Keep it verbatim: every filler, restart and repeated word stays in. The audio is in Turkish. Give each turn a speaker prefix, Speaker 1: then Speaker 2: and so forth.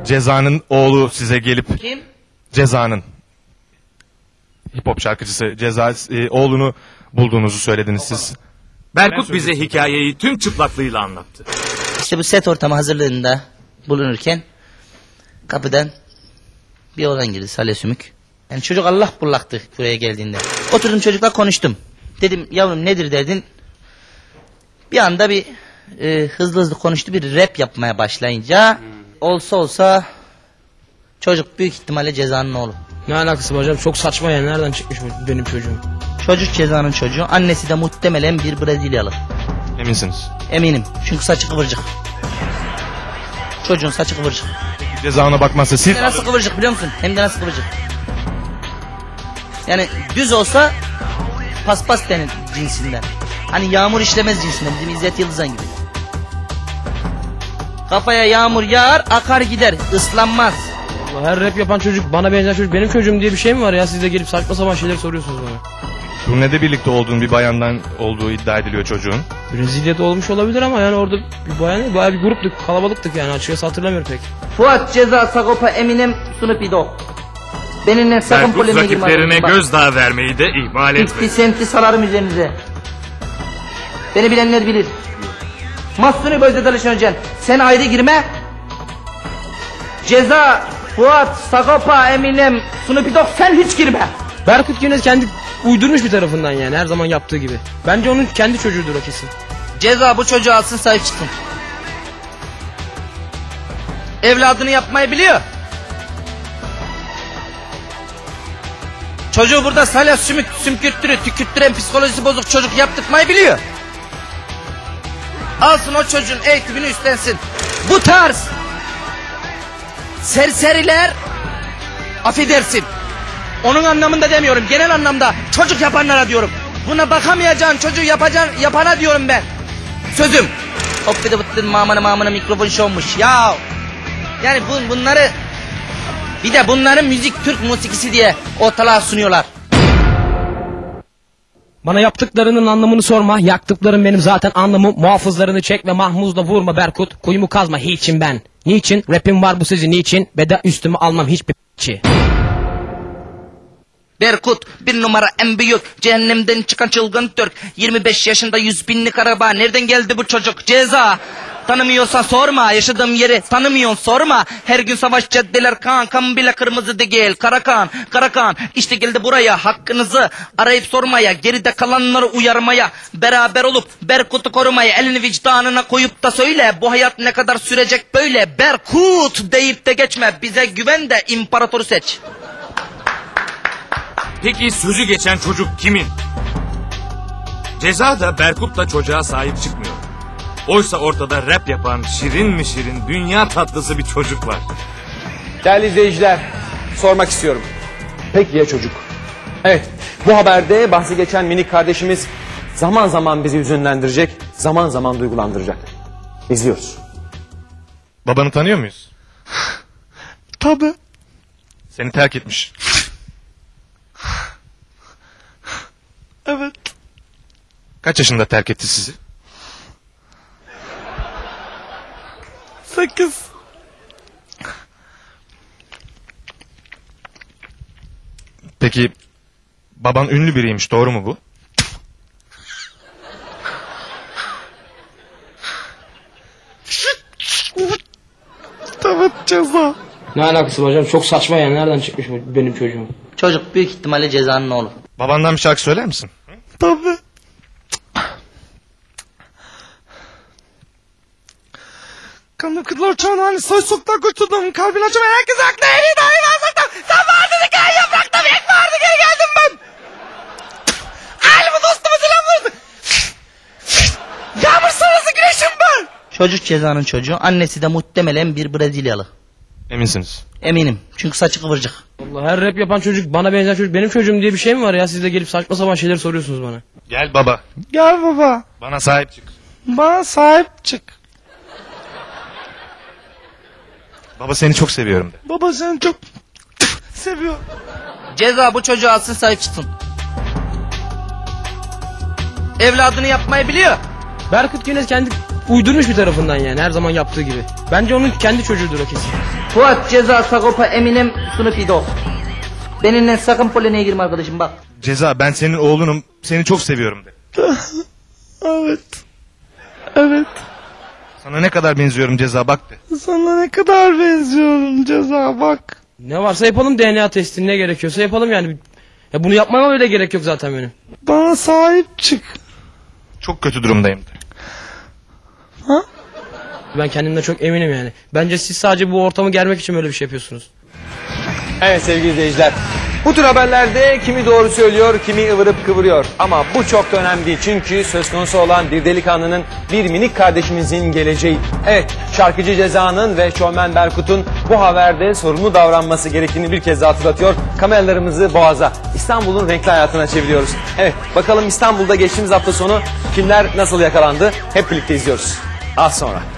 Speaker 1: Ceza'nın oğlu size gelip...
Speaker 2: Kim?
Speaker 1: Ceza'nın. Hip hop şarkıcısı Ceza e, oğlunu bulduğunuzu söylediniz siz.
Speaker 3: Berkut bize hikayeyi tüm çıplaklığıyla anlattı.
Speaker 2: İşte bu set ortamı hazırlığında bulunurken kapıdan bir oğlan girdi, Salih Sümük. Yani çocuk Allah bullaktı buraya geldiğinde. Oturdum çocukla konuştum. Dedim yavrum nedir derdin? Bir anda bir e, hızlı hızlı konuştu, bir rap yapmaya başlayınca olsa olsa çocuk büyük ihtimalle Ceza'nın oğlu.
Speaker 4: Ne alakası var hocam? Çok saçma ya. Nereden çıkmış bu benim çocuğum?
Speaker 2: Çocuk Ceza'nın çocuğu. Annesi de muhtemelen bir Brezilyalı.
Speaker 1: Eminsiniz?
Speaker 2: Eminim. Çünkü saçı kıvırcık. Çocuğun saçı kıvırcık.
Speaker 1: Ceza ona bakmazsa siz...
Speaker 2: Hem de nasıl kıvırcık biliyor musun? Hem de nasıl kıvırcık. Yani düz olsa paspas denir cinsinden. Hani yağmur işlemez cinsinden. Bizim İzzet Yıldızan gibi. Kafaya yağmur yağar, akar gider. Islanmaz.
Speaker 4: Her rap yapan çocuk, bana benzer çocuk benim çocuğum diye bir şey mi var ya? Siz de gelip saçma sapan şeyler soruyorsunuz bana.
Speaker 1: Turnede birlikte olduğun bir bayandan olduğu iddia ediliyor çocuğun.
Speaker 4: Brezilya'da olmuş olabilir ama yani orada bir bayan, bayağı bir gruptuk, kalabalıktık yani, açıkçası hatırlamıyorum pek.
Speaker 2: Fuat, Ceza, Sagopa, Eminem, Snoop Dogg. Benimle sakın
Speaker 3: Berkut
Speaker 2: polemiğe girme.
Speaker 3: rakiplerine gözdağı vermeyi de ihmal etmedi.
Speaker 2: fifty Cent'i salarım üzerinize. Beni bilenler bilir. Mahsuni Bözde Dalışan Hocan, sen ayrı girme. Ceza, Fuat, Sagopa, Eminem, Snoop Dogg, sen hiç girme.
Speaker 4: Berkut yine kendi uydurmuş bir tarafından yani, her zaman yaptığı gibi. Bence onun kendi çocuğudur o kesin.
Speaker 2: Ceza bu çocuğu alsın, sahip çıksın. Evladını yapmayı biliyor. Çocuğu burada salya sümük, sümkürttürü, tükürttüren psikolojisi bozuk çocuk yaptırmayı biliyor. Alsın o çocuğun eğitimini üstlensin. Bu tarz serseriler, affedersin, onun anlamında demiyorum, genel anlamda çocuk yapanlara diyorum. Buna bakamayacağın çocuğu yapacağın yapana diyorum ben. Sözüm. Hop bir de bıttın mamana mamana mikrofon şovmuş ya. Yani bu, bunları bir de bunların müzik Türk musikisi diye ortalığa sunuyorlar.
Speaker 4: Bana yaptıklarının anlamını sorma. Yaktıklarım benim zaten anlamım. Muhafızlarını çek ve mahmuzla vurma Berkut. Kuyumu kazma hiçim ben. Niçin? Rapim var bu sizi niçin? Beda üstüme almam hiçbir p***çi.
Speaker 2: Berkut bir numara en büyük, cehennemden çıkan çılgın Türk. Yirmi beş yaşında yüz binlik araba. Nereden geldi bu çocuk? Ceza. Tanımıyorsan sorma, yaşadığım yeri tanımıyorsun sorma. Her gün savaş caddeler kan, kan bile kırmızı değil. Karakan, Karakan, işte geldi buraya hakkınızı arayıp sormaya, geride kalanları uyarmaya, beraber olup Berkut'u korumaya, elini vicdanına koyup da söyle, bu hayat ne kadar sürecek böyle. Berkut deyip de geçme, bize güven de imparatoru seç.
Speaker 3: Peki sözü geçen çocuk kimin? Ceza da Berkut da çocuğa sahip çıkmıyor. Oysa ortada rap yapan şirin mi şirin, dünya tatlısı bir çocuk var.
Speaker 5: Değerli izleyiciler, sormak istiyorum. Peki ya çocuk? Evet, bu haberde bahsi geçen minik kardeşimiz zaman zaman bizi hüzünlendirecek, zaman zaman duygulandıracak. İzliyoruz.
Speaker 1: Babanı tanıyor muyuz?
Speaker 6: Tabii.
Speaker 1: Seni terk etmiş.
Speaker 6: Evet.
Speaker 1: Kaç yaşında terk etti sizi?
Speaker 6: Sekiz.
Speaker 1: Peki baban ünlü biriymiş, doğru mu bu?
Speaker 6: Evet, Ceza.
Speaker 4: Ne alakası var hocam? Çok saçma ya. Nereden çıkmış bu benim çocuğum?
Speaker 2: Çocuk büyük ihtimalle Ceza'nın oğlu.
Speaker 1: Babandan bir şarkı söyler misin?
Speaker 6: Tabii. Kanım kızlar çağın hani soy sokta götürdüm. Kalbin açım herkes haklı. En iyi dahi varsakta. Sen vardın hikaye yaprakta. Ek vardı geri geldim ben. Ailemi dostuma selam verdi. Yağmur sonrası güneşim ben.
Speaker 2: Çocuk Ceza'nın çocuğu. Annesi de muhtemelen bir Brezilyalı.
Speaker 1: Eminsiniz?
Speaker 2: Eminim. Çünkü saçı kıvırcık.
Speaker 4: Allah, her rap yapan çocuk, bana benzer çocuk benim çocuğum diye bir şey mi var ya? Siz de gelip saçma sapan şeyler soruyorsunuz bana.
Speaker 1: Gel baba.
Speaker 6: Gel baba.
Speaker 1: Bana sahip çık.
Speaker 6: Bana sahip çık.
Speaker 1: Baba seni çok seviyorum de.
Speaker 6: Baba seni çok seviyorum.
Speaker 2: Ceza bu çocuğu alsın, sahip çıksın. Evladını yapmayı biliyor.
Speaker 4: Berkut yine kendi uydurmuş bir tarafından yani her zaman yaptığı gibi. Bence onun kendi çocuğudur o kesin.
Speaker 2: Fuat, Ceza, Sagopa, Eminem, Snoop Dogg. Benimle sakın polemiğe girme arkadaşım bak.
Speaker 1: Ceza, ben senin oğlunum. Seni çok seviyorum de.
Speaker 6: Evet. Evet.
Speaker 1: Sana ne kadar benziyorum Ceza, bak de.
Speaker 6: Sana ne kadar benziyorum Ceza, bak.
Speaker 4: Ne varsa yapalım, D N A testini, ne gerekiyorsa yapalım yani. Ya bunu yapmama bile gerek yok zaten benim.
Speaker 6: Bana sahip çık.
Speaker 1: Çok kötü durumdayım de.
Speaker 6: Ha?
Speaker 4: Ben kendimden çok eminim yani. Bence siz sadece bu ortamı germek için böyle bir şey yapıyorsunuz.
Speaker 5: Evet sevgili izleyiciler. Bu tür haberlerde kimi doğru söylüyor, kimi ıvırıp kıvırıyor. Ama bu çok da önemli değil. Çünkü söz konusu olan bir delikanlının, bir minik kardeşimizin geleceği. Evet, şarkıcı Ceza'nın ve şovmen Berkut'un bu haberde sorumlu davranması gerektiğini bir kez daha hatırlatıyor. Kameralarımızı Boğaz'a, İstanbul'un renkli hayatına çeviriyoruz. Evet, bakalım İstanbul'da geçtiğimiz hafta sonu kimler nasıl yakalandı? Hep birlikte izliyoruz. Az sonra.